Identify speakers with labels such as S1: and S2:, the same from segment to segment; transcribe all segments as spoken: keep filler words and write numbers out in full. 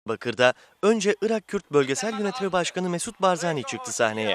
S1: Bakır'da önce Irak Kürt Bölgesel Yönetimi Başkanı Mesut Barzani çıktı sahneye.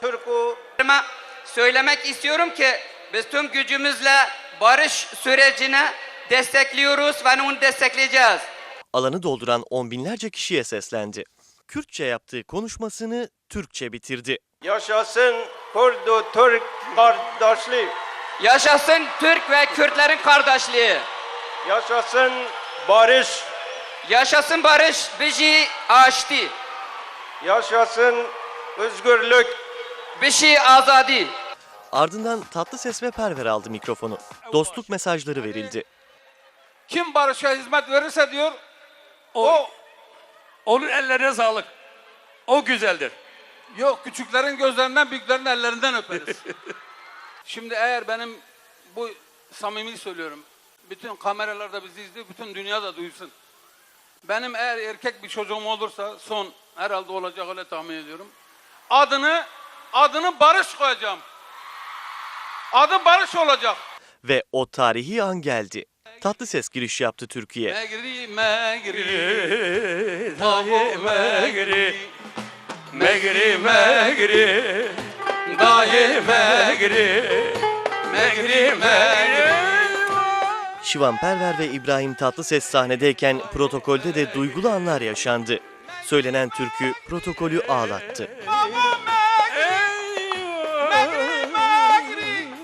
S2: Söylemek istiyorum ki biz tüm gücümüzle barış sürecine destekliyoruz ve onu destekleyeceğiz.
S1: Alanı dolduran on binlerce kişiye seslendi. Kürtçe yaptığı konuşmasını Türkçe bitirdi.
S3: Yaşasın Kurdu Türk kardeşliği.
S2: Yaşasın Türk ve Kürtlerin kardeşliği.
S3: Yaşasın barış.
S2: Yaşasın barış bizi açtı.
S3: Yaşasın özgürlük.
S2: Bizi azadi.
S1: Ardından Tatlıses ve Perver aldı mikrofonu. Dostluk mesajları verildi.
S4: Kim barışa hizmet verirse diyor, o,
S5: O, onun ellerine sağlık. O güzeldir.
S4: yok küçüklerin gözlerinden büyüklerin ellerinden öperiz. Şimdi eğer benim bu samimi söylüyorum, bütün kameralar da bizi izliyor, bütün dünya da duysun. Benim eğer erkek bir çocuğum olursa, son herhalde olacak öyle tahmin ediyorum. Adını, adını Barış koyacağım. Adı Barış olacak.
S1: Ve o tarihi an geldi. Tatlıses giriş yaptı Türkiye.
S4: Megri, megri,
S5: Dahi megri, megri, megri, dahi megri, megri, megri.
S1: Şivan Perver ve İbrahim Tatlıses sahnedeyken protokolde de duygulu anlar yaşandı. Söylenen türkü protokolü ağlattı.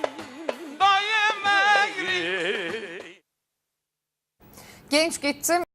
S4: Genç gittim.